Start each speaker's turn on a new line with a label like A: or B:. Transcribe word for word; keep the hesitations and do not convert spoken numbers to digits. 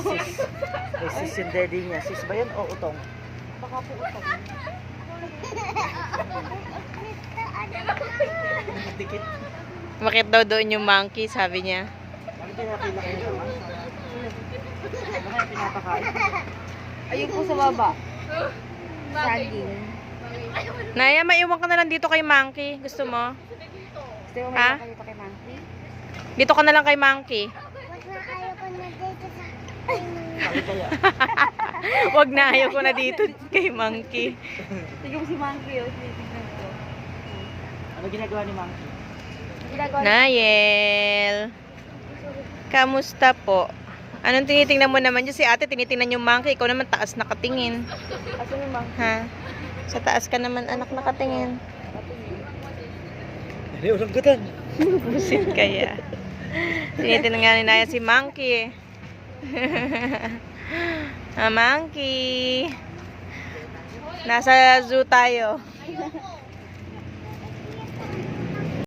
A: sis. Kay sis yung daddy niya. Sis ba yan o utong?
B: Baka po utang.
A: Dikit.
C: Bakit daw doon yung monkey, sabi niya.
A: Bakit kaya kilaki nyo naman? Ano kaya pinapakain?
B: Ayun po sa baba. Saging.
C: Naya, maiwan ka na lang dito kay monkey. Gusto mo?
B: Gusto mo
C: Ha?
B: may dito kay Monkey?
C: Dito ka na lang kay monkey.
A: Bakit kaya?
C: Wag na, ayaw ko na dito kay monkey.
B: Tignan mo si Monkey, oh. Tinitignan ko.
A: Ano ginagawa ni Monkey?
B: Ginagawa niya.
C: Nael, kamusta po? Anong tinitingnan mo naman dyan? Si ate tinitingnan yung monkey. Ikaw naman taas nakatingin.
B: Asan yung Monkey?
C: Ha? Sa taas ka naman anak nakatingin.
A: Hindi, ulang gutan.
C: Busit kaya. Tinitingnan nga ni Naya si monkey. Ah, monkey. Nasa zoo tayo.